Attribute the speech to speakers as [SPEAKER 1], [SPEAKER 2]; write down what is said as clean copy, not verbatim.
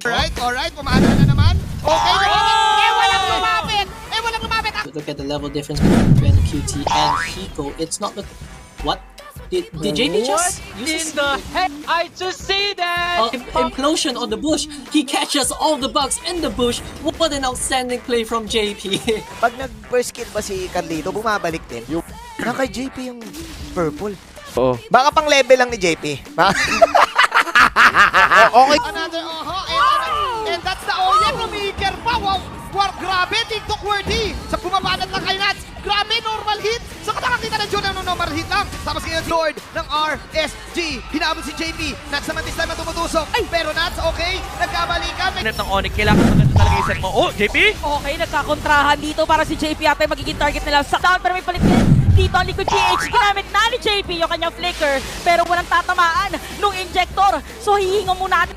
[SPEAKER 1] Alright, pumana na naman. Okay, walang lumapit!
[SPEAKER 2] Look at the level difference between QT and Hiko. It's not the... What? Did JP just use
[SPEAKER 3] In the heck? I just see that!
[SPEAKER 2] implosion on the bush? He catches all the bugs in the bush. What an outstanding play from JP.
[SPEAKER 4] Pag nag-first kill ba si Carlito, bumabalik din. Kay JP yung purple.
[SPEAKER 5] Oo.
[SPEAKER 4] Baka pang level lang ni JP.
[SPEAKER 1] Okay. Another, and that's the Oyen Rumiker pa. Wow, grabe, TikTok worthy. Sa bumabanat lang kay Nats. Grabe, normal hit. Sa nakakita ng Jun ng normal hit lang. Tapos ngayon, Lord ng RSG. Hinabot si JP. Nats naman this time na tumutusok. Pero Nats, okay. Nagkabalikan.
[SPEAKER 3] Net ng Onyx, kailangan maganda talaga yung set mo. Oh, JP?
[SPEAKER 6] Okay, nagkakontrahan dito para si JP ata yung magiging target nila. Sakdown pero may palit dito ang likod GH. Ginamit na ni JP yung kanyang flicker pero walang tatamaan nung injector. So hihingo muna